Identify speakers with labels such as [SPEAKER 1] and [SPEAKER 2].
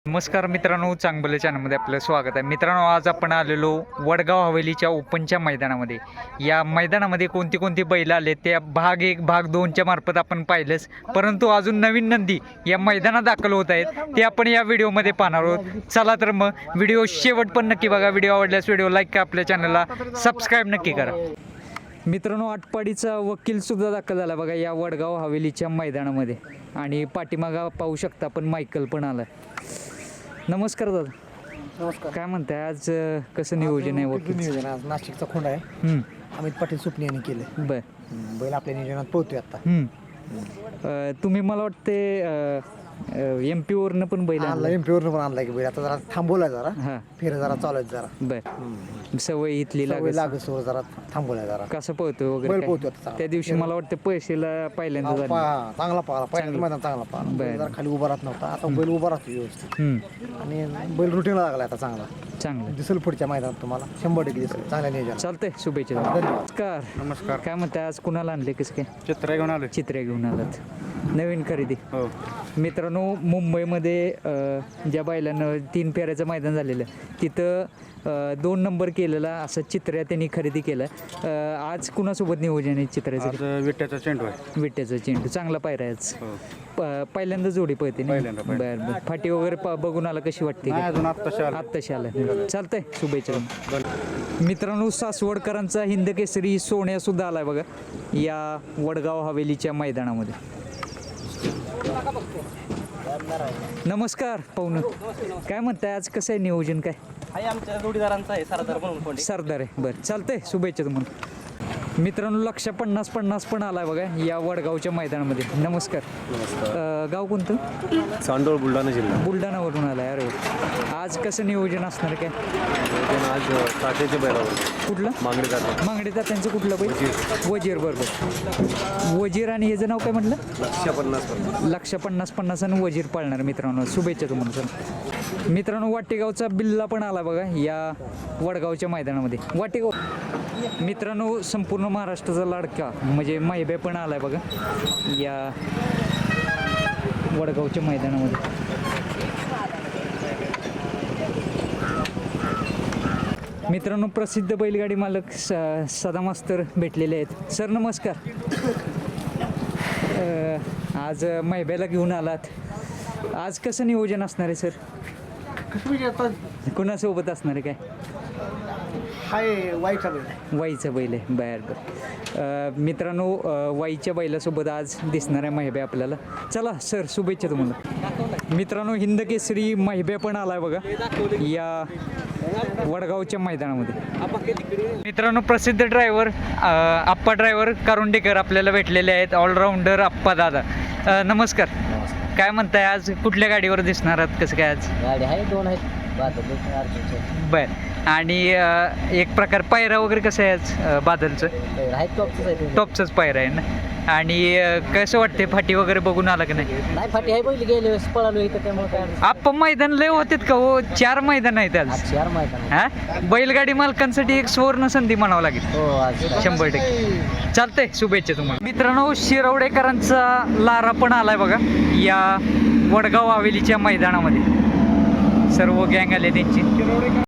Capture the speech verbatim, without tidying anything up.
[SPEAKER 1] नमस्कार मित्रांनो, चांगलं चॅनलमध्ये आपलं स्वागत आहे. मित्रांनो, आज आपण आलेलो वडगाव हवेलीच्या ओपनच्या मैदानामध्ये. या मैदानामध्ये कोणती कोणती बैल आले त्या भाग एक भाग दोनच्या मार्फत आपण पाहिलंच, परंतु अजून नवीन नंदी या मैदानात दाखल होत आहेत ते आपण या व्हिडिओमध्ये पाहणार आहोत. चला तर मग व्हिडिओ शेवट पण नक्की बघा. व्हिडिओ आवडल्यास व्हिडिओ लाईक करा, आपल्या चॅनलला सबस्क्राईब नक्की करा. मित्रांनो, आटपाडीचा वकील सुद्धा दाखल झाला बघा या वडगाव हवेलीच्या मैदानामध्ये. आणि पाठीमागा पाहू शकता आपण मायकल पण आला. नमस्कार दादा.
[SPEAKER 2] नमस्कार.
[SPEAKER 1] काय म्हणताय आज अं, कसं नियोजन आहे वकील?
[SPEAKER 2] नियोजन आज नाशिकचा खोंड आहे.
[SPEAKER 1] हम्म,
[SPEAKER 2] अमित पाटील सुपणे यांनी केले.
[SPEAKER 1] बर.
[SPEAKER 2] बैल आपल्या नियोजनात पोहतोय आता.
[SPEAKER 1] हम्म. अं, तुम्ही मला वाटते एम पी वरनं पण बैल
[SPEAKER 2] आणला
[SPEAKER 1] आणला.
[SPEAKER 2] एम पीवरनं पण आणलाय की बैल. आता जरा थांबवलाय जरा,
[SPEAKER 1] हा,
[SPEAKER 2] फेर जरा चालू आहेत जरा.
[SPEAKER 1] बर. सवय इथली
[SPEAKER 2] सवय
[SPEAKER 1] लागत.
[SPEAKER 2] लागसवर जरा थांबवलाय जरा.
[SPEAKER 1] कसं पळतोय
[SPEAKER 2] बैल
[SPEAKER 1] वगैरे
[SPEAKER 2] पोहतोय
[SPEAKER 1] काय?
[SPEAKER 2] आता चांगला.
[SPEAKER 1] त्या दिवशी मला वाटतं पैसेला पहिल्यांदा
[SPEAKER 2] हा,
[SPEAKER 1] झालं.
[SPEAKER 2] पा- चांगला पाहिला पहिल्या मैदान चांगला पाहिला.
[SPEAKER 1] बरं.
[SPEAKER 2] बैल जरा खाली उभा राहत नव्हता, आता बैल उभा राहतो व्यवस्थित.
[SPEAKER 1] हम्म,
[SPEAKER 2] आणि बैल रुटीनला लागला आता चांगला.
[SPEAKER 1] चांगलं
[SPEAKER 2] दिसेल पुढच्या मैदानात तुम्हाला शंभर टक्के दिसेल चांगल्या नियोजन.
[SPEAKER 1] चालतंय. शुभेच्छा. नमस्कार.
[SPEAKER 3] नमस्कार.
[SPEAKER 1] काय म्हणताय आज कुणाला आणले कसं काय?
[SPEAKER 3] चित्र घेऊन आलोय.
[SPEAKER 1] चित्रे घेऊन आलात. नवीन खरेदी.
[SPEAKER 3] हो.
[SPEAKER 1] मित्रांनो, मुंबईमध्ये अ, ज्या बैलानं तीन फेऱ्याचं मैदान झालेलं तिथं अ, दोन नंबर केलेला असं चित्र्या त्यांनी खरेदी केलं. अ, आज कुणासोबत नियोजन आहे चित्र्याचं?
[SPEAKER 3] आज विट्याचा चेंडू आहे.
[SPEAKER 1] विट्याचं चेंडू चांगला पायरा आहे आज.
[SPEAKER 3] हो.
[SPEAKER 1] प- पहिल्यांदा जोडी पळते ना?
[SPEAKER 3] पहिल्यांदा,
[SPEAKER 1] बरं बरं. फाटी वगैरे प- बघून आला कशी वाटते?
[SPEAKER 3] नाही अजून आत्ताशी आलं.
[SPEAKER 1] आत्ताशी आलं. चालतंय. शुभेच्छा. मित्रांनो, सासवडकरांचा हिंद केसरी सोन्या सुद्धा आलाय बघा या वडगाव हवेलीच्या मैदानामध्ये. नमस्कार पाहुणं. काय म्हणताय आज कसं आहे नियोजन? काय
[SPEAKER 4] आहे आमच्या जोडीदारांचा आहे सरदार म्हणून कोणी.
[SPEAKER 1] सरदार आहे. बरं, चालतंय. शुभेच्छा तुम्हाला. मित्रांनो, लक्ष पन्नास पन्नास पण आलाय बघा या वडगावच्या मैदानामध्ये. नमस्कार. अं, गाव कोणतं?
[SPEAKER 3] चांदोळ बुलढाणा जिल्हा.
[SPEAKER 1] बुलढाणावरून आलाय. अरे वा. आज कसं नियोजन असणार काय?
[SPEAKER 3] आज काठ्याच्या बैलावर
[SPEAKER 1] कुठलं?
[SPEAKER 3] मागणी जातात.
[SPEAKER 1] मांगडे त्यांचं कुठलं बैल? वजीर. बरोबर. वजीर. आणि याचं नाव काय म्हटलं?
[SPEAKER 3] लक्ष पन्नास पन्नास.
[SPEAKER 1] लक्ष पन्नास पन्नास आणि वजीर पाळणार. मित्रांनो, शुभेच्छा तुम्हाला सर. मित्रांनो, वाटेगावचा बिल्ला पण आला बघा या वडगावच्या मैदानामध्ये. वाटेगाव मित्रांनो, संपूर्ण महाराष्ट्राचा लाडका म्हणजे माहिबे पण आलाय बघा या वडगावच्या मैदानामध्ये. मित्रांनो, प्रसिद्ध बैलगाडी मालक स सदा मास्तर भेटलेले आहेत. सर नमस्कार. अ, आज मैब्याला घेऊन आलात. आज कसं नियोजन असणार आहे सर? कुणासोबत असणार आहे काय?
[SPEAKER 2] हाय वाईटचा बैल.
[SPEAKER 1] वाईचं बैल आहे. बर बर. अ, मित्रांनो, अ, वाईच्या बैलासोबत आज दिसणार आहे महिबे आपल्याला. चला सर, शुभेच्छा तुम्हाला. मित्रांनो, हिंद केसरी महिबे पण आलाय बघा या वडगावच्या मैदानामध्ये. मित्रांनो, प्रसिद्ध ड्रायव्हर आप्पा ड्रायव्हर कारुंडेकर आपल्याला भेटलेले आहेत. ऑलराऊंडर आप्पा दादा. अ, नमस्कार. काय म्हणताय आज कुठल्या गाडीवर दिसणार आहात? कसं काय आज?
[SPEAKER 4] गाडी आहे, दोन आहेत.
[SPEAKER 1] बर. आणि अ, एक प्रकार पायरा वगैरे कसं आहे आज अ, बादलचं?
[SPEAKER 4] आहेत टॉपच आहे.
[SPEAKER 1] टॉपचंच पायरा आहे ना. आणि अ, कसं वाटते फाटी वगैरे बघून आला की नाही?
[SPEAKER 4] नाही फाटी आहे, पहिली गेले वेळेस पळालो इथं त्यामुळे काय
[SPEAKER 1] आप्पा मैदान लय होतेत का हो? चार मैदान आहेत आज.
[SPEAKER 4] आज चार मैदान
[SPEAKER 1] हा, बैलगाडी मालकांसाठी एक सुवर्ण संधी म्हणावं लागेल.
[SPEAKER 4] हो आज
[SPEAKER 1] शंभर टक्के. चालतंय. शुभेच्छा तुम्हाला. मित्रांनो, शिरवडेकरांचा लारा पण आलाय बघा या वडगाव हवेलीच्या मैदानामध्ये. सर्व गँग आले त्यांची.